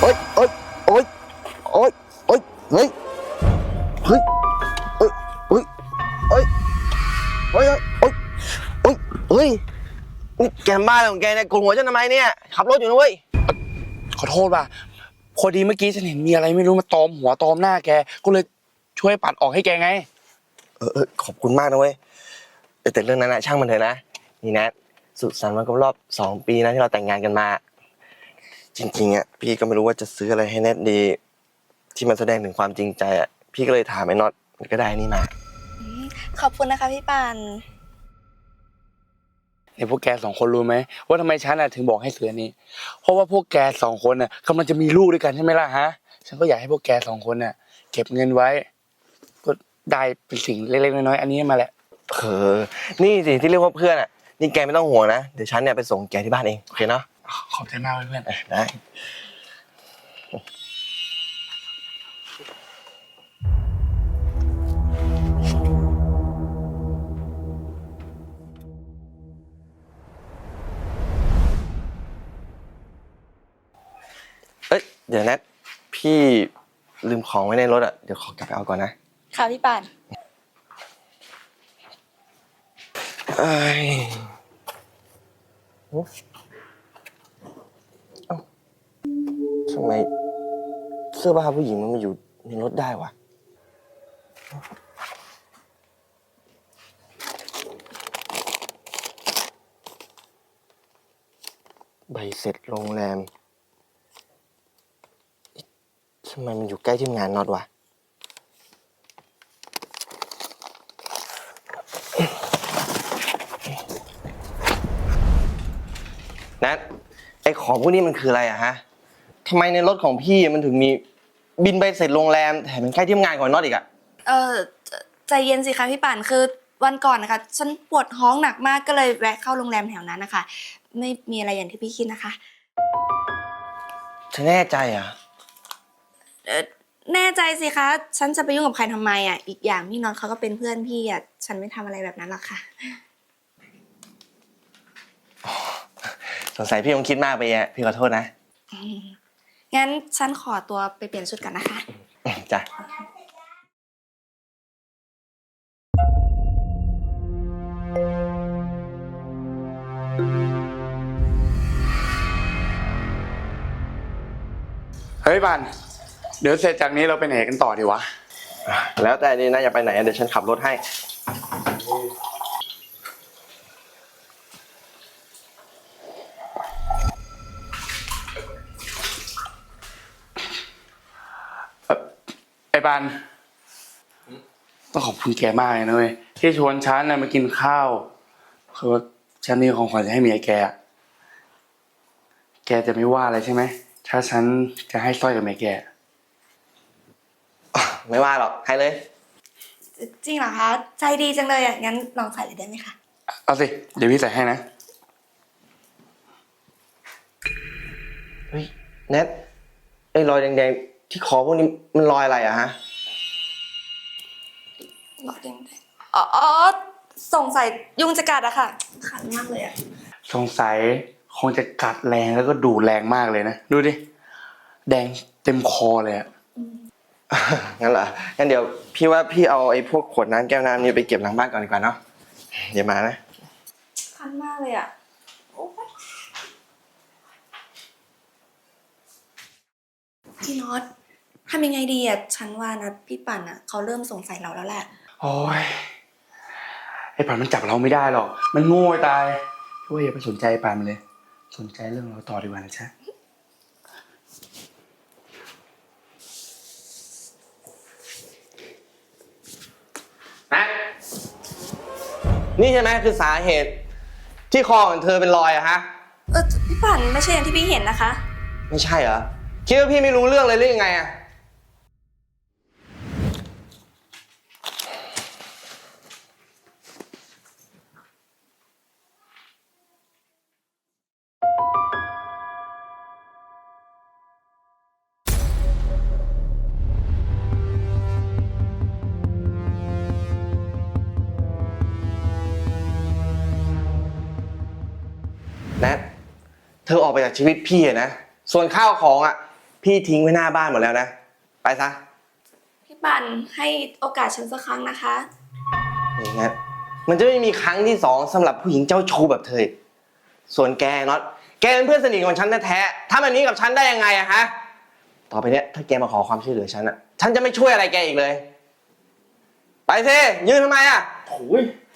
ยโอ๊ยโอ๊ยโอ๊ยโอ๊ยเฮ้ยเฮ้ยเฮ้ยเฮ้ยเฮ้ยเฮ้ยเฮ้ยเฮ้ยเฮ้ยนี่แกบ้าอะไรของแกเนี่ยโกนหัวฉันทำไมเนี่ยขับรถอยู่นะเว้ยขอโทษว่ะพอดีเมื่อกี้ฉันเห็นมีอะไรไม่รู้มาตอมหัวตอมหน้าแกก็เลยช่วยปัดออกให้แกไงขอบคุณมากนะเว้ยแต่เรื่องนั้นนะช่างมันเถอะนะนี่นะสุขสันต์วันครบรอบ2 ปีนะที่เราแต่งงานกันมาจริงๆอ่ะพี่ก็ไม่รู้ว่าจะซื้ออะไรให้แนทดีที่มันแสดงถึงความจริงใจอ่ะพี่ก็เลยถามไอ้น็อตมันก็ได้นี่มาขอบคุณนะคะพี่ปานเนี่ยพวกแก2 คนรู้ไหมว่าทำไมฉันถึงบอกให้ซื้ออันนี้เพราะว่าพวกแก2 คนกำลังจะมีลูกด้วยกันใช่ไหมล่ะฮะฉันก็อยากให้พวกแก2 คนเก็บเงินไว้ก็ได้เป็นสิ่งเล็กๆน้อยๆอันนี้มาแหละนี่สิที่เรียกว่าเพื่อนอ่ะนี่แกไม่ต้องห่วงนะเดี๋ยวฉันเนี่ยไปส่งแกที่บ้านเองโอเคเนาะขอบใจมากเพื่อนได้เดี๋ยวนะพี่ลืมของไว้ในรถอ่ะเดี๋ยวขอกลับไปเอาก่อนนะค่ะพี่ปานทำไมเสื้อผ้าผู้หญิงมันมาอยู่ในรถได้วะใบเสร็จโรงแรมทำไมมันอยู่ใกล้ที่งานน็อตวะนัทไอของพวกนี้มันคืออะไรอะฮะทำไมในรถของพี่มันถึงมีบินใบเสร็จโรงแรมแถมเป็นใกล้ที่งานของน็อตอีกอะใจเย็นสิคะพี่ปานคือวันก่อนนะคะฉันปวดท้องหนักมากก็เลยแวะเข้าโรงแรมแถวนั้นนะคะไม่มีอะไรอย่างที่พี่คิดนะคะเธอแน่ใจอะแน่ใจสิคะฉันจะไปยุ่งกับใครทำไมอ่ะอีกอย่างพี่น็อตเขาก็เป็นเพื่อนพี่อ่ะฉันไม่ทำอะไรแบบนั้นหรอกค่ะสงสัยพี่คงคิดมากไปอะพี่ขอโทษนะงั้นฉันขอตัวไปเปลี่ยนชุดก่อนนะคะจ้ะเฮ้ยบันเดี๋ยวเสร็จจากนี้เราไปไหนกันต่อดีวะแล้วแต่นี่นะอย่าไปไหนเดี๋ยวฉันขับรถให้ไอ้บันต้องขอบคุณแกมากเลยนะเว้ยที่ชวนฉันมากินข้าวคือว่าฉันมีของขวัญจะให้เมียแกแกจะไม่ว่าอะไรใช่ไหมถ้าฉันจะให้สร้อยกับเมียแกไม่ว่าหรอกให้เลยจริงเหรอคะใจดีจังเลยอ่ะงั้นลองใส่เลยได้ไหมคะเอาสิเดี๋ยวพี่ใส่ให้นะเฮ้ยแนทไอ้รอยแดงๆที่คอพวกนี้มันรอยอะไรอะฮะรอยแดงๆอ๋อสงสัยยุงจะกัดอะค่ะคันมากเลยอะสงสัยคงจะกัดแรงแล้วก็ดูแรงมากเลยนะดูดิแดงเต็มคอเลยอะงั้นเหรองั้นเดี๋ยวพี่ว่าพี่เอาไอ้พวกขวดน้ำแก้วน้ำนี่ไปเก็บหลังบ้านก่อนดีกว่าเนาะเดี๋ยวมานะคันมากเลยอะพี่น็อตทำยังไงดีอะฉันว่านะพี่ปั่นอะเขาเริ่มสงสัยเราแล้วแหละโอ้ยไอ้ป่านมันจับเราไม่ได้หรอกมันโง่ตายช่วยอย่าไปสนใจป่านมันเลยสนใจเรื่องเราต่อดีกว่านะจ๊ะนี่ใช่ไหมคือสาเหตุที่คอของเธอเป็นรอยอะฮะพี่ปั่นไม่ใช่อย่างที่พี่เห็นนะคะไม่ใช่เหรอคิดว่าพี่ไม่รู้เรื่องเลยหรือยังไงอะแนทเธอออกไปจากชีวิตพี่นะส่วนข้าวของอะพี่ทิ้งไว้หน้าบ้านหมดแล้วนะ ไปซะพี่ปั่นให้โอกาสฉันสักครั้งนะคะอย่างนั้นมันจะไม่มีครั้งที่สองสำหรับผู้หญิงเจ้าชู้แบบเธออีกส่วนแกน็อตแกเป็นเพื่อนสนิทของฉันแท้ๆทำแบบนี้กับฉันได้ยังไงอะฮะ ต่อไปเนี้ยถ้าแกมาขอความช่วยเหลือฉันอะฉันจะไม่ช่วยอะไรแกอีกเลย ไปสิยืนทำไมอะโอ้ย